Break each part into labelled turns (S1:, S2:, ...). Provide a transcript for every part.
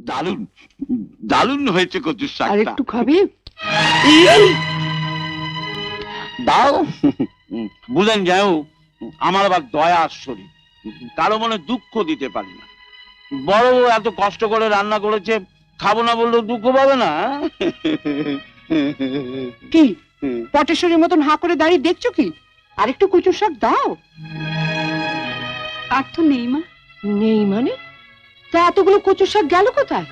S1: দারুণ দারুণ হয়েছে কচুর
S2: আর
S1: শাকটা।
S2: একটু খাবে?
S1: দাও। বুঝলেন যাও, আমার আবার দয়ার শরীর, কারো মনে দুঃখ দিতে পারি না। বড় বউ এত কষ্ট করে রান্না করেছে, খাবো না বললেও দুঃখ পাবে না।
S2: কি পটেশ্বরীর মতন হাঁ করে দাঁড়িয়ে দেখছো কি? আর একটু কচুর শাক দাও।
S3: আর তো নেই মা।
S2: নেই মানে? তা এতগুলো কচুর শাক গেল কোথায়?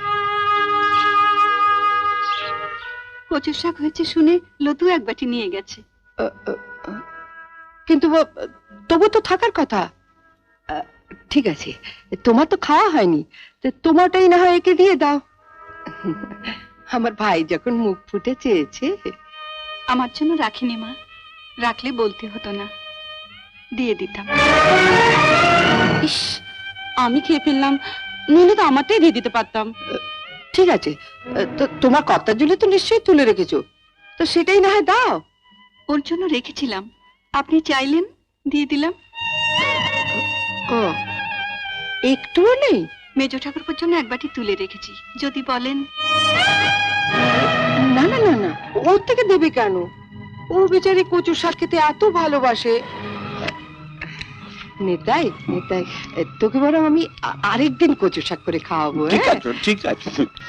S3: কচুর শাক হয়েছে শুনে লতু এক বাটি নিয়ে গেছে।
S2: কিন্তু তবু তো থাকার কথা। ঠিক আছে, তোমার তো খাওয়া হয়নি, তোমারটাই না হয় একে দিয়ে দাও। আমার ভাই যখন মুখ ফুটে চেয়েছে।
S3: আমার জন্য রাখিনি মা, রাখলে বলতে হতো না, দিয়ে দিতাম। ইস, আমি খেয়ে ফেললাম, নইলে তো আমারটাই দিয়ে দিতে পারতাম।
S2: ঠিক আছে, তো তোমার কর্তার জন্য তো নিশ্চয়ই তুলে রেখেছো, তো সেটাই না হয় দাও।
S3: ওর জন্য রেখেছিলাম, আপনি চাইলেন দিয়ে দিলাম।
S2: ও, একটুও নেই?
S3: মেজ ঠাকুরপুর জন্য এক বাটি তুলে রেখেছি, যদি বলেন।
S2: না না না না, ওর থেকে দেবে কেন? ও বেচারি কচুর শাক খেতে এত ভালোবাসে। নেতাই নেতাই, তোকে বরং আমি আরেকদিন কচুর শাক করে খাওয়াবো।
S1: ঠিক আছে ঠিক আছে।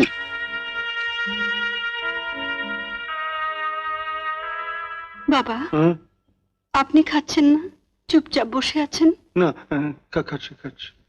S3: বাবা, আপনি খাচ্ছেন না, চুপচাপ বসে আছেন?
S4: না, খাচ্ছি খাচ্ছি।